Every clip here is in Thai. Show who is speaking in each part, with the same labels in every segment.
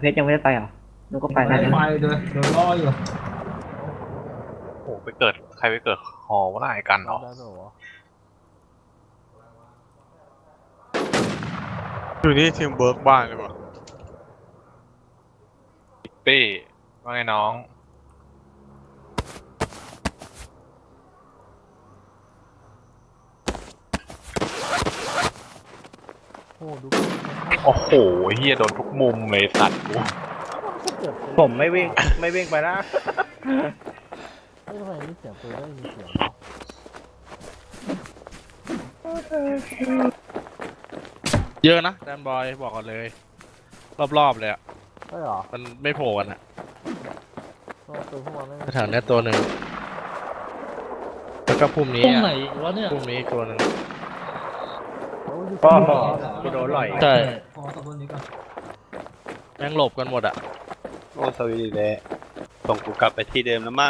Speaker 1: ชรยังไม่ได้ไปเหรอนุกก็ไป
Speaker 2: ไม่
Speaker 1: แล้ว
Speaker 2: ไป
Speaker 1: นะ
Speaker 2: เลยโดนล่ออยู่
Speaker 3: โอ้ไปเกิดใครไปเกิดหอว่าไรกันเหรอ
Speaker 4: ได้ด้วยเหรอ
Speaker 5: อยู่นี่ทีมเวิร์กบ้านเลยว่ะ
Speaker 3: ปี้ว่าไงน้อง
Speaker 4: โอ้ดู
Speaker 3: โอ้โหเฮียโดนทุกมุมเลยสัตว์กู
Speaker 4: เจ็บ
Speaker 6: ผมไม่วิ่งไปนะ
Speaker 4: เฮ้ยทำไมมีเสียงปืนได้ยินเสียงวะ
Speaker 7: เยอะนะแดนบอยบอกก่อนเลย รอบๆเลยอ่ะ
Speaker 4: ใช่เหรอ
Speaker 7: มันไม่โผล่กันอ่ะ
Speaker 4: ตัวพวกมันไม่
Speaker 7: แถวเนี้ยตัวหนึ่งแล้วก็พุ่มนี้
Speaker 8: ตรง
Speaker 7: อ่ะ
Speaker 8: ไหนวะเนี่ย
Speaker 7: พุ่มนี้ตัวหนึ่ง
Speaker 6: ก็กูโดนหล่อย
Speaker 7: ใช่
Speaker 2: พอตะบนนี้ก่อน
Speaker 7: แม่งหลบกันหมดอ่ะ
Speaker 5: โอ้สวีดีเลยส่งกูกลับไปที่เดิมแล้วมาก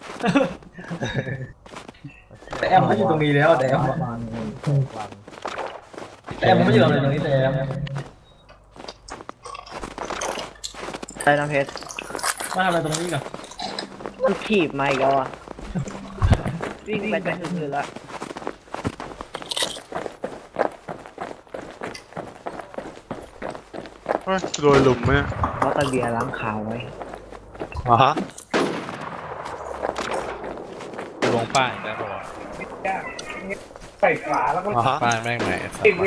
Speaker 2: แต่แอมไม่อยู่ตรงนี้แล้วแต่แอม
Speaker 4: ประมาณวัน
Speaker 2: แต่แอมไม่อยู่ตรงนี้แต่แอม
Speaker 1: ใช่น้ำเพชร
Speaker 2: มาทำอะไรตรงนี้ก่อน
Speaker 1: มันขีบมาอีกแล้วอ่ะวิ่งไปจะถึงอยู่แล้ว
Speaker 5: เฮ้ยโดนหลุมไหมเนี่ย
Speaker 1: เพราะตะเบียร์ล้างขาวไว้
Speaker 5: อ๋อฮะ
Speaker 7: ลงป้ายได้ปะวะ
Speaker 5: อ๋อฮะ
Speaker 7: ป้ายแม่งไหนสัตว์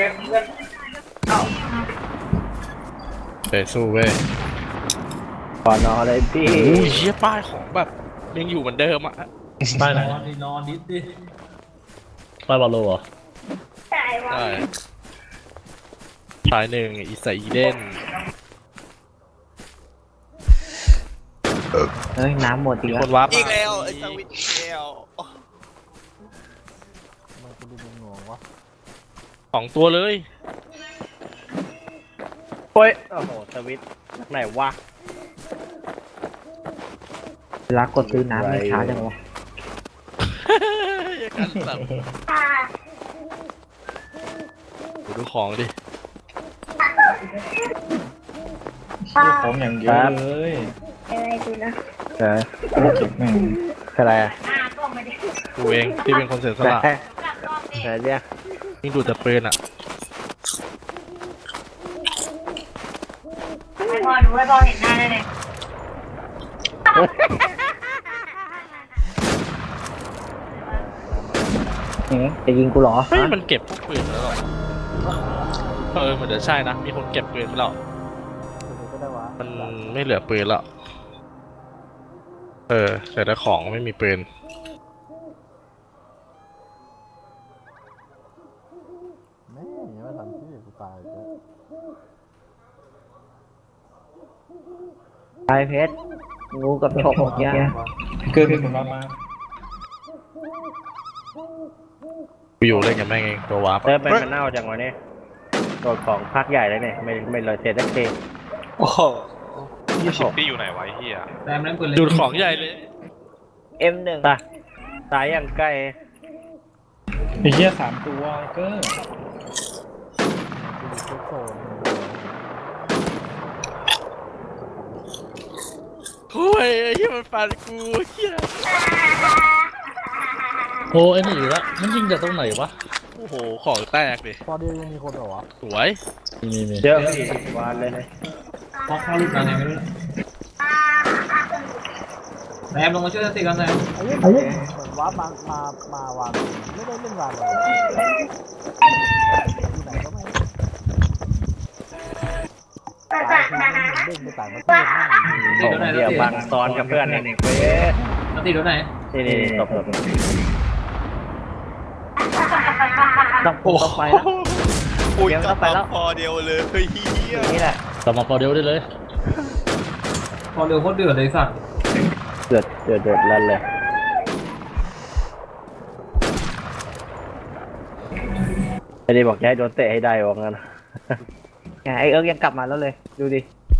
Speaker 7: ไปสู้เว้ย
Speaker 6: ก่อนนอนเลยพี่
Speaker 7: โอ้ยเชี่ยป้ายของแบบยังอยู่เหมือนเดิมอ่ะ
Speaker 8: ป้ายไหน
Speaker 2: นอนดิสดิ
Speaker 8: ป้ายบอลโลเหรอ
Speaker 7: ใช่สายหนึ่งอีสอีเดน
Speaker 1: เฮ้ยน้ำหมดอีก
Speaker 7: มี
Speaker 1: แล้
Speaker 7: ค
Speaker 1: วน
Speaker 7: วาร์ป
Speaker 5: อีกแล้วไอ้สวิตอีกแล้ว
Speaker 4: มันกูดูงงวะ
Speaker 7: 2 ตัวเลย
Speaker 6: โอ้ยโอ้โหสวิตช์ไหนวะ
Speaker 1: รักกดซื้อน้ำไม่ช้าจังวะ
Speaker 7: อย่ากันสัตว์ดูของดิ
Speaker 6: ผมอย่างเยอะเลย
Speaker 9: อะไรดูนะ
Speaker 6: เอออะไรอ่ะ
Speaker 7: กูเองที่เป็นคนเสียสละ
Speaker 6: แต่เนี่ย
Speaker 7: ยิ่งดูแต่ปืนอ่ะ
Speaker 9: ให้พอดูให้พอเห็นหน้าได้เลย
Speaker 1: จะยิงกูเหรอ
Speaker 7: เฮ้ยมันเก็บพวกปืนแล้วเหรอเหมือนจะใช่นะ มีคนเก็บปืนไปแล้ว
Speaker 4: ตัวนี้ก็ได้วะ
Speaker 7: มันไม่เหลือปืนแล้วแต่ละของไม่มีปืน
Speaker 4: แม่งยังไม่ทันที่กูตายเลย
Speaker 1: ไอเพชรงูกับฉกเนี่ย
Speaker 2: เกินผมมา
Speaker 7: กูอยู่เล่นกับแม่งเองตัววาร์ป
Speaker 6: เริ่มเป็นมันเน่าจังวะเนี่ยโดนของพักใหญ่เลยเนี่ยไม่เลยเสร็จสักที
Speaker 5: โอ้โห
Speaker 3: ชิปปี้อยู่ไหนวะไอ้เฮีย
Speaker 2: แต่แอมเล่นปืนเล็
Speaker 7: ดูของใหญ่เลย
Speaker 1: M1
Speaker 6: ตายอย่างใกล้
Speaker 8: ไอ้เหี้ย3 ตัวเกอร์
Speaker 4: กูดูเช็คโซน
Speaker 7: โอ้ยไอ้เหี้ยมันฟันกูเหี้ย
Speaker 8: โอ้ไอ้นี่อีกแล้วมันยิงจากตรงไหนวะ
Speaker 7: โอ้โหของแตกดิ
Speaker 4: พอเดียวยังมีคนเหรอวะ
Speaker 7: สวย
Speaker 8: มี
Speaker 6: เยอะพี่วานเลย
Speaker 2: พอเข้าลูกมาไงไม่รู้แต่แอมลงมาช่วยสติกันหน่อย
Speaker 4: เหมือนว่ามา วางไม่ได้เล่นวางเลยที่ไหนก็ไม่ตายคือเด้งไปต่างประเทศแม่ง
Speaker 6: ผมเดี๋ยวบังซ้อนกับเพื่อนเนี่ยเว้ย
Speaker 2: สติโดนไหน
Speaker 6: นี่ตบ
Speaker 1: ต้องไปแล้ว
Speaker 5: อุ้ย
Speaker 1: เดี๋ยว
Speaker 5: ก
Speaker 1: ก็
Speaker 5: ลับ
Speaker 1: ไปแล้ว
Speaker 5: มาพอเดียวเลยเฮ้ยเหี้ย
Speaker 1: นี่แหละ
Speaker 8: กลับมาพอเดียวได้เลย
Speaker 2: พอเร็วโคตรเดือดเลยสัตว์
Speaker 6: เดือดลั่นเลยไอ้นี่บอกจะให้โดนเตะให้ได้ว่างั้น
Speaker 1: ไอเอิร์กยังกลับมาแล้วเลย ดูดิ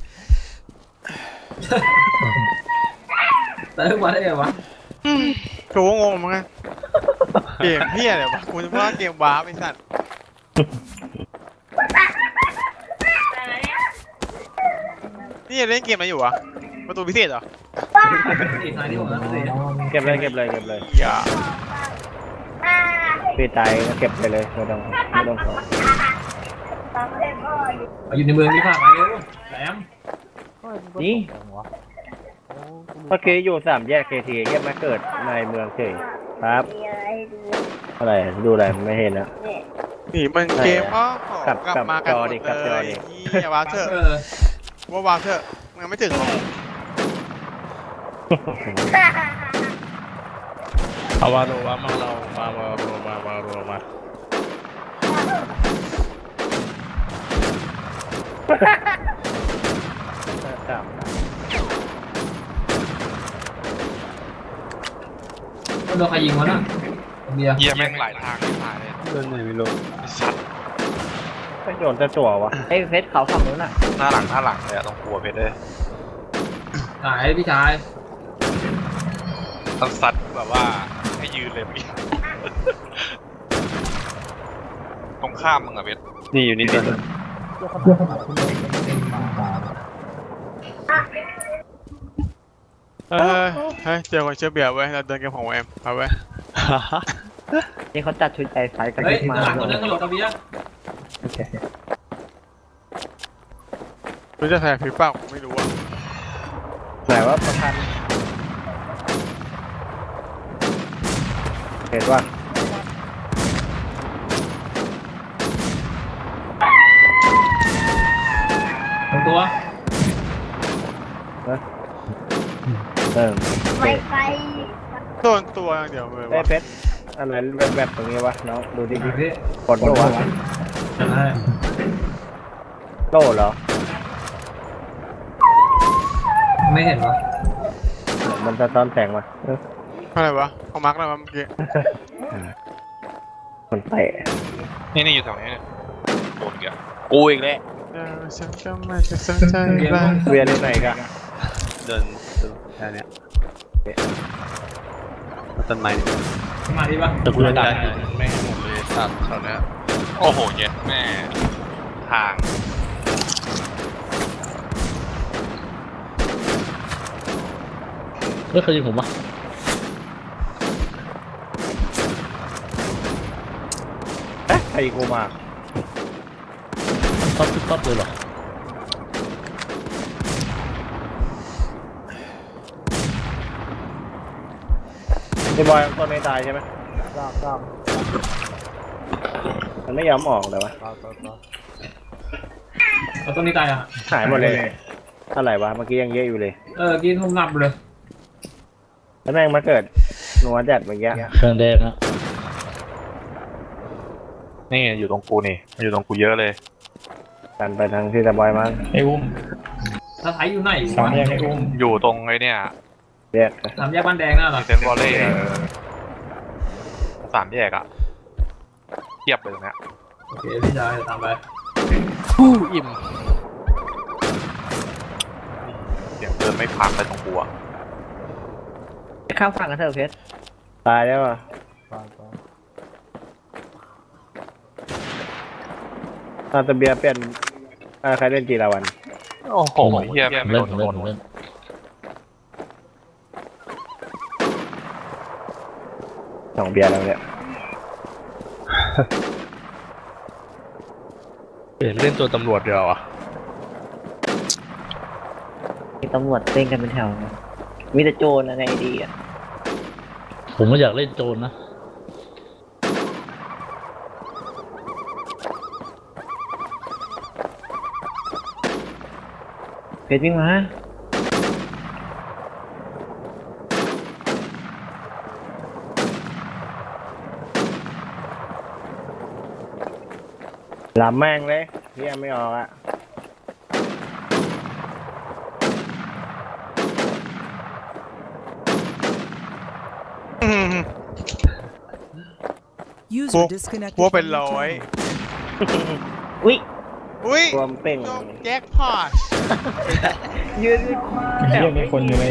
Speaker 2: แต่ทุกวันได้ไงวะ
Speaker 5: กูก็งงเหมือนกันเกมเฮียเลยวะกูจะว่าเกมว้าไอ้สัตว์นี่นี่เล่นเกมอะไรอยู่วะประตูพิเศษเหรอ
Speaker 2: สี่ท้ายที่ผมนะสี่
Speaker 6: เก็บเลยเก็บเลยเก็บเลย
Speaker 5: อย่า
Speaker 6: พี่ตายก็เก็บไปเลยไม่ต้องขอ
Speaker 2: อยู่ในเมืองนี่ผ่านมาเร็วแหลม
Speaker 6: นี่
Speaker 4: วะ
Speaker 6: เมื่อกี้อยู่3 แยก KT เก็บมาเกิดในเมืองเฉยครับ
Speaker 9: มีอะไรให้ดู
Speaker 6: อะไรดูอะไรไม่เห็นนะ
Speaker 9: เนี่ย
Speaker 5: นี่มันเกมอ๋อก
Speaker 6: ลับ
Speaker 5: กลับมากันหมด
Speaker 6: กลับจอ
Speaker 5: เล
Speaker 6: ดิ
Speaker 5: ยอย่าวางเถอะว่าวางเถอะมันยังไม่ถึงหรอก
Speaker 7: เอาวาโรวามาเรามาโรมาโรมา
Speaker 6: ครับ
Speaker 2: โดนใครยิงวะน่ะเบียร์
Speaker 3: เหี้ยแม่งหลายทางที่ตายเลย
Speaker 6: โดนไหนไม่รู้
Speaker 3: ไอ้สัตว์
Speaker 6: ไม่โดนจะจั่ววะ
Speaker 1: ไอ้เพชรเขาฝั่งนู้นน่ะ
Speaker 3: หน้าหลังเลยอะต้องกลัวเพชรเลย
Speaker 2: หายพี่ชาย
Speaker 3: ต้องซัดแบบว่าให้ยืนเลยเมื่อกี้ ตรงข้ามมึงอะเพชร
Speaker 6: นี่อยู่นี่เป็น
Speaker 5: เฮ้ยเจอคนเชื่อเบียร์เว้ยเราเดินเกมของแอมเอาไว้
Speaker 1: นี่เขาจัดชุดใจไฟกัน
Speaker 2: เฮ้ย
Speaker 1: มา
Speaker 2: หลังคนนึงกระโดดตะเบียร์
Speaker 5: รู้จะแทงผีเปล่าไม่รู้อ่ะ
Speaker 6: ไหนว่าประกันเห็นว่า
Speaker 2: ตัว
Speaker 9: ไวไฟ
Speaker 5: โดนตัวอย่างเดียวเลย
Speaker 6: เอ้
Speaker 5: วะ
Speaker 6: เพชรอะไรแบบตรงนี้วะน้องดูดิ
Speaker 2: พี่
Speaker 6: กดโล่วะ
Speaker 2: ได้
Speaker 6: โล่เหรอ
Speaker 2: ไม่เห็นวะ
Speaker 6: มันจะตอนแสงมา
Speaker 5: อะไรวะเขามาร์กแล้วเมื่อกี้
Speaker 6: มันเตะ
Speaker 3: นี่อยู่แถวนี้เนี่ยโดนเกี่ยกูอีกแล้ว
Speaker 5: ฉันก็ไม่จะสนใจบ้าง
Speaker 6: เวียนอยู่ไหนกัน
Speaker 3: เดินแค่เนี้ยต้นไม้
Speaker 2: มาดีปะ
Speaker 7: แต่กูจะดักแม่งหมดเลยสัตว์แถวเนี้ย
Speaker 3: โอ้โหเย็ดแม่ทาง
Speaker 7: ไม่เคยยิงผมปะ
Speaker 6: ใครกูมา
Speaker 7: ต๊อปเลยเหรอ
Speaker 6: ไอ้บอยต้นไม่ตายใช่ไหม
Speaker 4: จ้าง
Speaker 6: มันไม่ยอมออกเลยวะ
Speaker 2: เอาต้นนี้ตายอ่ะ
Speaker 6: หายหมดเลยเท่าไหร่วะเมื่อกี้ยังเยอะอยู่เลย
Speaker 2: กินทุ่มนับเลย
Speaker 6: แล้วแม่งมาเกิดหนัวจัดเมื่อกี้
Speaker 7: เครื่องแดงนะ
Speaker 3: นี่อยู่ตรงกูนี่มันอยู่ตรงกูเยอะเลย
Speaker 6: กันไปทางที่ตะบอยมั้ง
Speaker 8: ไอ้อุ้ม
Speaker 2: ถ้าไทยอยู่ไหน
Speaker 8: สามแยกไอ้อุ้ม
Speaker 3: อยู่ตรงไอ้เนี่ย
Speaker 6: เรียก
Speaker 2: สามแยกบ้านแดงน่ะเหรอ
Speaker 3: เซนวอลเล่สามแยกอะเทียบเลยตรงเนี้ย
Speaker 2: โอเคพี่ชายตามไป
Speaker 7: อิ่ม
Speaker 3: เสียงเดินไม่พักเลยตรงกูอะ
Speaker 1: ข้ามฝั่งกันเถอะเพชร
Speaker 6: ตายแล้วอ่ะตะเบียเปลี่ยนใครเล่นจีราวัน
Speaker 3: โอ้โหเฮียไม่
Speaker 7: เล่
Speaker 3: โด
Speaker 7: น
Speaker 3: น
Speaker 7: เล่น
Speaker 3: โดน
Speaker 7: เล่น
Speaker 6: 2 เบียร์แล้วเนี่ย
Speaker 7: เปลี่ยนเล่นตัวตำรวจเดียวอ่ะ
Speaker 1: มีตำรวจเต้นกันเป็นแถวมีแต่โจรอะไรดีอ่ะ
Speaker 7: ผมก็อยากเล่นโจรนะ
Speaker 1: เพชรวิ่งมา
Speaker 6: หลับแม่งเลยเฮียไม่ออกอ่ะ
Speaker 5: พวกพวกเป็นร้อย
Speaker 1: อุ้ย
Speaker 5: อุ้ย
Speaker 6: รวมเป่ง
Speaker 5: แจ็คพอต
Speaker 1: ยืน
Speaker 8: ไอ้เหี้ยมีคนอยู่ใน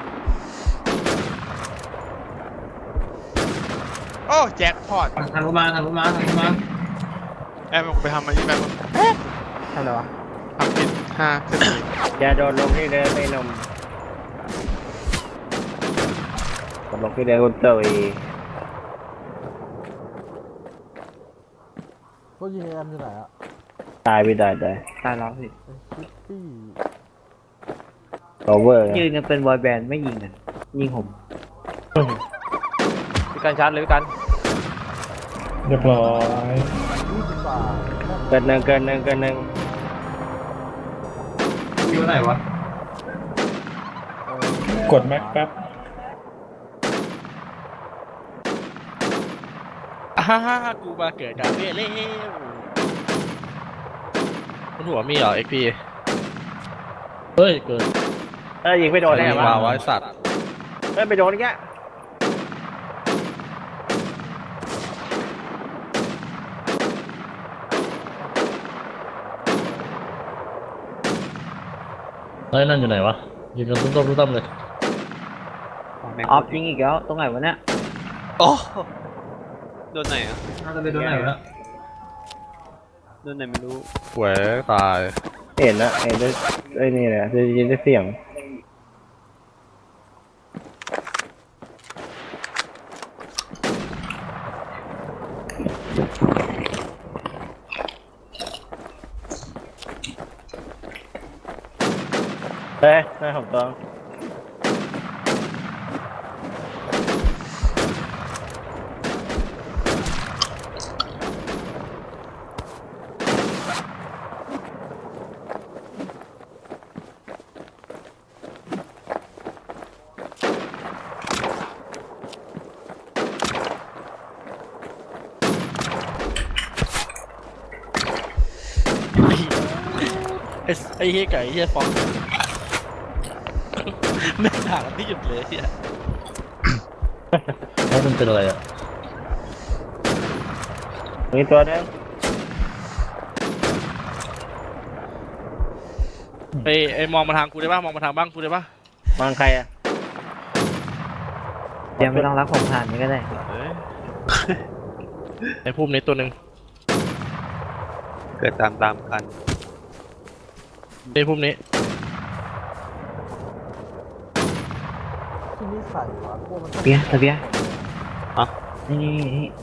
Speaker 5: โอ้แจ็คพอต
Speaker 2: ทางรถมา
Speaker 5: แอมไปทำอะไรที่แบบ
Speaker 1: ทำอะไรวะ
Speaker 5: ททำผิด5 ขึ้นอีก
Speaker 6: อย่าโดนลงที่เดินไอ้หนมโดนลงที่เดินคุณเตย
Speaker 4: ก็ยิงแอมอยู่ไหนอะ
Speaker 6: ตายไม่ได้แต่
Speaker 1: ตายแล้วสิ
Speaker 4: คิตตี้
Speaker 6: โอเวอร์
Speaker 1: ยืนกันเป็นบอยแบนด์ไม่ยิงกันยิงผม
Speaker 7: พี่การชาร์จเลยพี่การ
Speaker 8: เรียบร้อย
Speaker 4: 20 บาท
Speaker 6: เกินหนึ่ง
Speaker 2: อยู่ไหนวะ
Speaker 8: กดแม็กแป๊บ
Speaker 7: กูมาเกิดกับเวเล่คุณหัวมีเหรอ XP เฮ้ยเกิด
Speaker 6: ยิงไม่โดนได้ไงวะ
Speaker 7: ว้าวไอ้สัตว์
Speaker 6: ไปโดนอีกแก
Speaker 7: เฮ้ยนั่นอยู่ไหนวะยิงกันตุ้มเลย
Speaker 1: ออฟยิงอีกแล้วตรงไหนวะเนี่ย
Speaker 3: โอ้โดนไหนอ่ะ
Speaker 2: น่าจะไปโดนไหนแล้ว
Speaker 3: โดนไหนไม่รู้
Speaker 7: หวยตาย
Speaker 6: เห็นนะเห็นได้ไอ้นี่แหละได้ยินได้เสียงเฮ้ยหน้าผมต้อง
Speaker 7: ไอ้เฮียไก่เฮียฟองไม่ห่างกันที่หยุดเลยเฮียแล้วมันเป็นอะไรอ่ะ
Speaker 6: มีตัวนึง
Speaker 7: ไอ้มองมาทางกูได้ป่ะมองมาทางบ้างกูได้ป่ะ
Speaker 6: มองใครอ่ะ
Speaker 1: เดี๋ยวไม่ต้องรักผมผ่านนี้ก็ได้
Speaker 7: ไอ้พุ่มนี้ตัวหนึ่ง
Speaker 3: เกิดตามกัน
Speaker 7: ไอ้พุ่มนี้
Speaker 4: ที่นี่ใส่วะพวกมัน
Speaker 1: เบียร์เบียร์นี่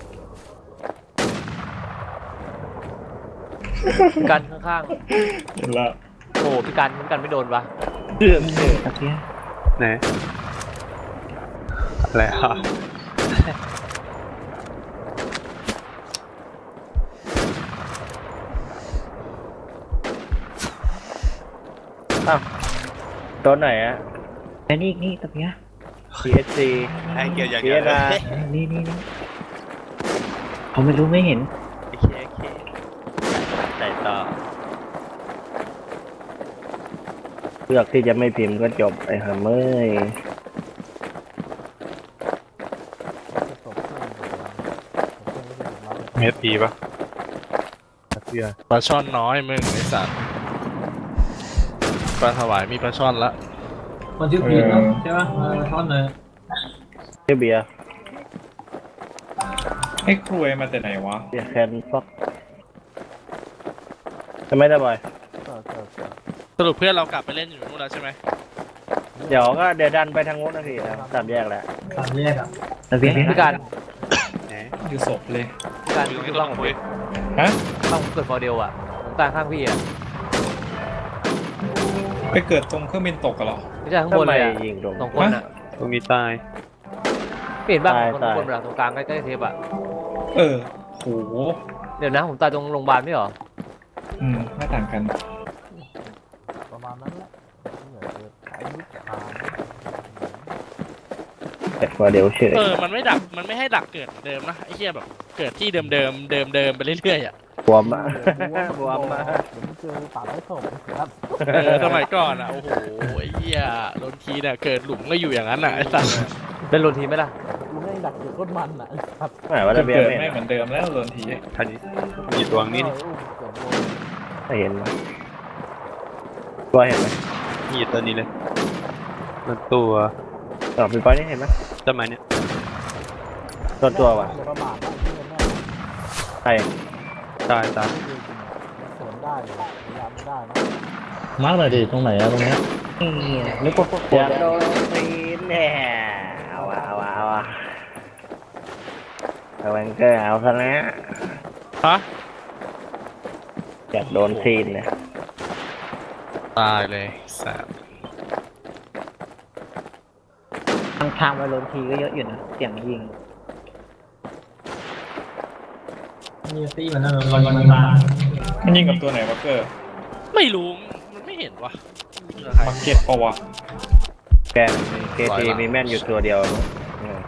Speaker 7: พี่กันข้าง
Speaker 8: เห็นละ
Speaker 7: ๆโอ้พี่กันไม่โดนปะ
Speaker 1: เบียร์
Speaker 3: ไหนอะไรอ่ะ
Speaker 6: ตัวไหนอ่ะ
Speaker 1: แต่นี่ตะเบียร์
Speaker 6: PSC
Speaker 3: ไอ้เกี่ยวอย่างเดียวเลย
Speaker 1: นี่เขาไม่รู้ไม่เห็น
Speaker 3: โอเคใจต่อ
Speaker 6: เลือกที่จะไม่พิมพ์ก็จบไอ้ห่าเมย
Speaker 4: จะตกเครื่องอยู่แล้วเครื่องก็จะหยุดรับ
Speaker 3: เมตรทีปะเพื่อ
Speaker 7: ปลาช่อนน้อยมึงไอ้สัตว์ปลาถวายมีปลาช่อนละ
Speaker 2: มันชื่อพีทเนาะใช่ปะท่อนเลย
Speaker 6: ชื่อเบียร์
Speaker 8: ไอ้ครวยมาแต่ไหนวะ
Speaker 6: เบียร์แคนฟ็อกจะไม่ได้บ่อย
Speaker 7: สรุปเพื่อนเรากลับไปเล่นอยู่นู่นแล้วใช่ไหม
Speaker 6: เดี๋ยวดันไปทางโน้นนะพี่นะสามแยกแล้ว
Speaker 2: สามแยกอ่ะ
Speaker 1: ตะเบียร์
Speaker 7: พี่การ
Speaker 3: ไหน
Speaker 8: อยู่ศพเลย
Speaker 7: พี่การ
Speaker 3: อยู่ตรง
Speaker 7: คือ
Speaker 3: นี้
Speaker 7: บ้า
Speaker 3: ต้อง ง
Speaker 7: ผม
Speaker 3: คุย
Speaker 8: ฮะ
Speaker 7: บ้างผมเกิดฟอร์เดลอ่ะผมตายข้างพี่อ่ะ
Speaker 8: ไปเกิดตรงเครื่องบินตกกันเหรอ
Speaker 7: ไม่ใช่ข้างบนเลยอ่ะ
Speaker 6: ยิงตรง
Speaker 7: สองคนอ่ะ
Speaker 3: ตรงนี้ตาย
Speaker 7: เปลี่ยนบ้าง
Speaker 6: ตาย
Speaker 7: คน
Speaker 6: ตาย
Speaker 7: บนแบบตรงกลางใกล้ๆเทปอ่ะ
Speaker 8: เออโห
Speaker 7: เดี๋ยวนะผมตายตรงโรงพยาบาลไม่เหรอ
Speaker 8: ไม่ต่างกัน
Speaker 4: ประมาณนั้นแหละเหนื่อยเลยขายยุทธการ
Speaker 6: เกิดว่าเดี๋ยวเฉย
Speaker 7: มันไม่ให้ดักเกิดเหมือนเดิมนะไอ้เหี้ยแบบเกิดที่เดิมไปเรื่อยๆอ่ะ
Speaker 6: บวมอ่ะบวมอ่ะ
Speaker 4: เดี๋ยวมึงเจอตัดให้ศพครับ
Speaker 7: สมัยก่อนอ่ะโอ้โหไอ้เหี้ยโดนทีเนี่ยเกิดหลุมก็อยู่อย่างนั้นอ่ะไอ้สัสเป็นโดนทีไหมล่ะ
Speaker 4: กูไม่ดักเดี๋ยวก้นมันอ่ะไอ้สัตว์
Speaker 6: หมายว่า
Speaker 8: เกิ
Speaker 6: ระเบียง
Speaker 8: ด
Speaker 6: ไม่
Speaker 8: ไม่เหมือนเดิมแล้วโดนที
Speaker 3: ทันนี้มีตัวนี้นี่
Speaker 6: ไม่เห็นมั้ยตัวเห็นไหม
Speaker 3: มีตัวนี้เลยมันตัว
Speaker 6: พี่ปอยนี่เห็นไหม
Speaker 3: ต้นไม้เนี่ย
Speaker 6: ตัวว่ะ
Speaker 4: อย่าประมาทนะที่แน่
Speaker 6: ใคร
Speaker 3: ตาย
Speaker 4: สวนได้เลยระยะไม่ได้นะ
Speaker 2: มาร์กเลยดิตรงไหนอะตรงเนี้ย
Speaker 1: นี่นึกว่าพวก
Speaker 6: อยากโดนตีนแน่เอาวะเอาวะเอาวะเอาแวนเกอร์เอาซะนะ
Speaker 7: ฮะ
Speaker 6: อยากโดนซีนเนี่ย
Speaker 7: ตายเลยแสบ
Speaker 1: ทางไปลงทีก็เยอะอยู่นะเสียงยิง
Speaker 2: นี่ตี้มันนั่นมันมา
Speaker 8: มันยิงกับตัวไหนวะเกอร์
Speaker 7: ไม่รู้มันไม่เห็นวะ
Speaker 8: มาเก็ตปะวะ
Speaker 6: แกเคทีมีแม่นอยู่ตัวเดียวมั้งอืม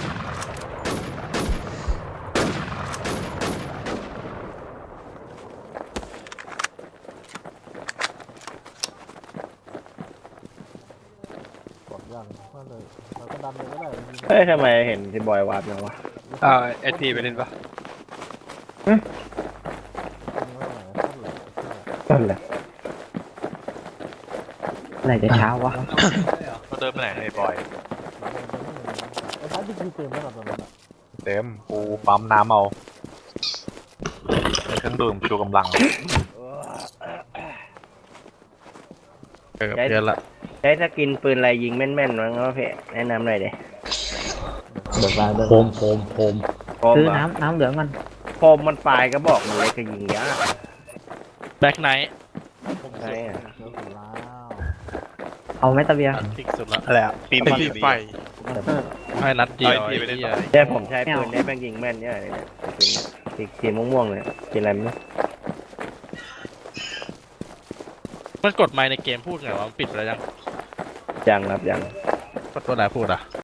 Speaker 4: กดยังก็เลยเราก็ดันเลยก็ได้ยิง
Speaker 6: เฮ้ยทำไมเห็นที่บอยวาร์ปมาวะ
Speaker 3: เอทีไปเล่นปะ
Speaker 4: ยิงไว้ไหนก็เหลือ
Speaker 6: นั่นแหละ
Speaker 1: ไหนจะเช้าวะ
Speaker 3: เราเดินไปไหนไอ้บอย
Speaker 4: ไอ้พัดที่คือเต็มแล้วตอนนั้น
Speaker 3: เต็มกูปั๊มน้ำเอาเครื่องดื่มชูกำลัง
Speaker 7: เออเพี้ยนละ
Speaker 6: ใช้สกินปืนอะไรยิงแม่นๆมั้งวะเพ่แนะนำหน่อยเด้
Speaker 2: เบิกได้โคม
Speaker 6: โคม
Speaker 1: ซื้อ
Speaker 6: เหร
Speaker 1: น้ำเหลืองมัน
Speaker 6: โคมมันปลายก็บอกมันเลยก็ยิงยาก
Speaker 7: แบ็คไนท์
Speaker 6: ใช่อะ
Speaker 4: เจอสุดแล้ว
Speaker 1: เอาไหมตะเบียร์
Speaker 7: พลิกสุดละ
Speaker 3: อะไรอ่ะปีน
Speaker 5: ตีไฟ
Speaker 7: ให้นัดเดียว
Speaker 3: เอาอีกทีไปเล่น
Speaker 7: ไอ้เหี้ย
Speaker 3: ต่อ
Speaker 6: แต่ผมใช้ปืนได้แม่งยิงแม่นเนี่ยเลยเนี่ยสีม่วงๆเลยกินอะไรไม่รู้
Speaker 7: มันกดไมค์ในเกมพูดไงวะมันปิดไปแล้วยัง
Speaker 6: ยังครับยัง
Speaker 7: กดตัวไหนพูดอ่ะ